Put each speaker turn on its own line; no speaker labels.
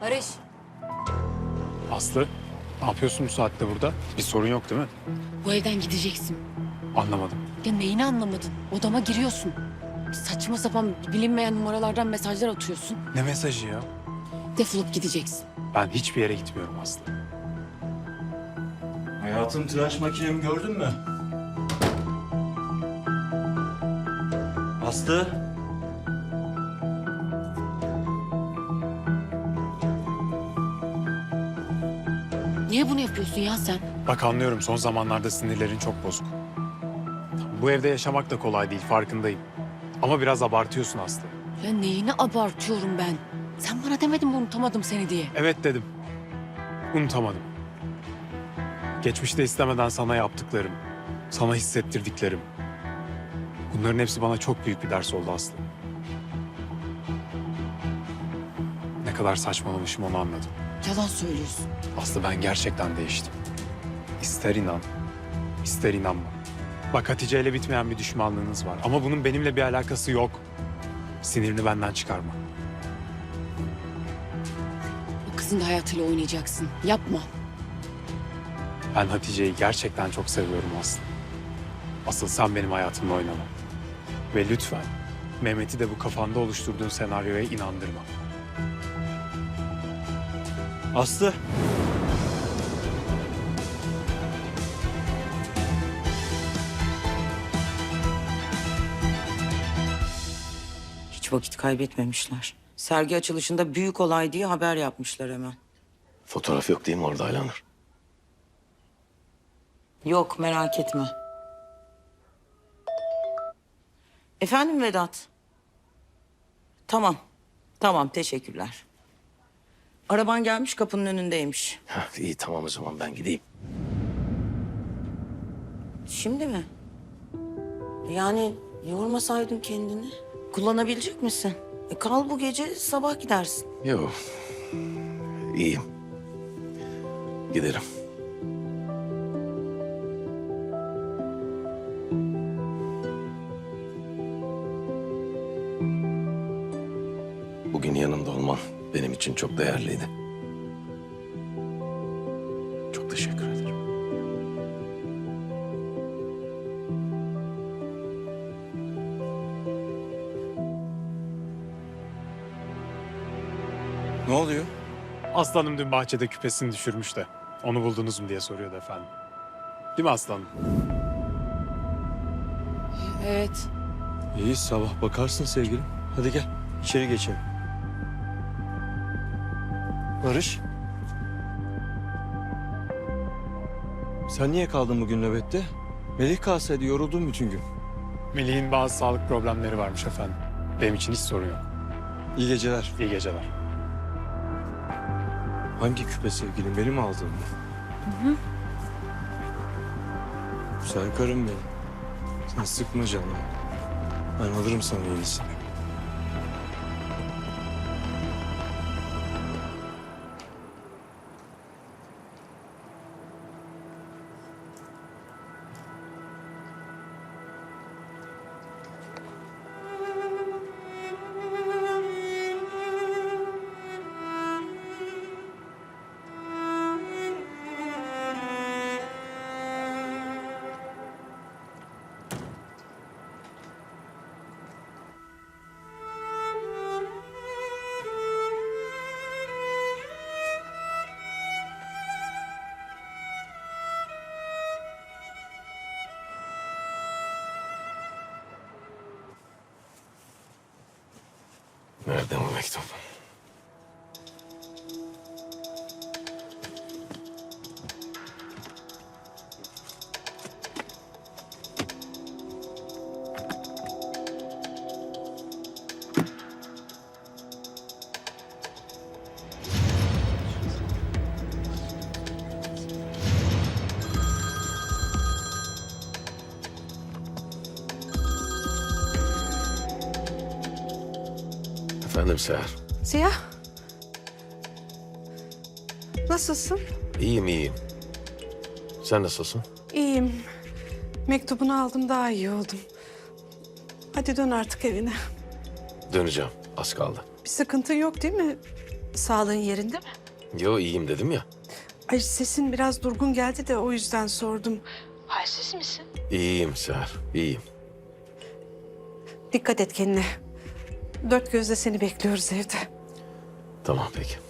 Barış.
Aslı, ne yapıyorsun bu saatte burada? Bir sorun yok değil mi?
Bu evden gideceksin.
Anlamadım.
Ya neyini anlamadın? Odama giriyorsun. Saçma sapan bilinmeyen numaralardan mesajlar atıyorsun.
Ne mesajı ya?
Defolup gideceksin.
Ben hiçbir yere gitmiyorum Aslı.
Hayatım, tıraş makinemi gördün mü? Aslı.
Niye bunu yapıyorsun ya sen?
Bak anlıyorum, son zamanlarda sinirlerin çok bozuk. Bu evde yaşamak da kolay değil, farkındayım. Ama biraz abartıyorsun Aslı.
Ya neyini abartıyorum ben? Sen bana demedin mi unutamadım seni diye?
Evet dedim. Unutamadım. Geçmişte istemeden sana yaptıklarım, sana hissettirdiklerim. Bunların hepsi bana çok büyük bir ders oldu Aslı. Ne kadar saçmalamışım onu anladım.
Yalan söylüyorsun.
Aslı, ben gerçekten değiştim. İster inan, ister inanma. Bak, Hatice ile bitmeyen bir düşmanlığınız var. Ama bunun benimle bir alakası yok. Sinirini benden çıkarma.
O kızın da hayatıyla oynayacaksın. Yapma.
Ben Hatice'yi gerçekten çok seviyorum Aslı. Asıl sen benim hayatımla oynama. Ve lütfen Mehmet'i de bu kafanda oluşturduğun senaryoya inandırma.
Aslı.
Hiç vakit kaybetmemişler. Sergi açılışında büyük olay diye haber yapmışlar hemen.
Fotoğraf yok değil mi orada Aylanur?
Yok, merak etme. Efendim Vedat? Tamam, tamam, teşekkürler. Araban gelmiş, kapının önündeymiş.
Heh, iyi tamam, o zaman ben gideyim.
Şimdi mi? Yani yormasaydın kendini. Kullanabilecek misin? Kal bu gece, sabah gidersin.
Yok. İyiyim. Giderim. Bugün yanımda olman benim için çok değerliydi. Çok teşekkür ederim.
Ne oluyor?
Aslanım dün bahçede küpesini düşürmüş de. Onu buldunuz mu diye soruyordu efendim. Değil mi aslanım?
Evet.
İyi, sabah bakarsın sevgilim. Hadi gel, içeri geçelim. Barış. Sen niye kaldın bugün nöbette? Melih kalsaydı yoruldun bütün gün.
Melih'in bazı sağlık problemleri varmış efendim. Benim için hiç sorun yok.
İyi geceler.
İyi geceler.
Hangi küpe sevgilim? Benim aldığım mı? Güzel karım benim. Sen sıkma canını. Ben alırım sana yenisini.
Nerede bu mektup? Efendim Seher.
Ziya. Nasılsın?
İyiyim iyiyim. Sen nasılsın?
İyiyim. Mektubunu aldım, daha iyi oldum. Hadi dön artık evine.
Döneceğim. Az kaldı.
Bir sıkıntın yok değil mi? Sağlığın yerinde mi?
Yo iyiyim dedim ya.
Ay sesin biraz durgun geldi de o yüzden sordum. Halsiz misin?
İyiyim Seher, iyiyim.
Dikkat et kendine. Dört gözle seni bekliyoruz evde.
Tamam peki.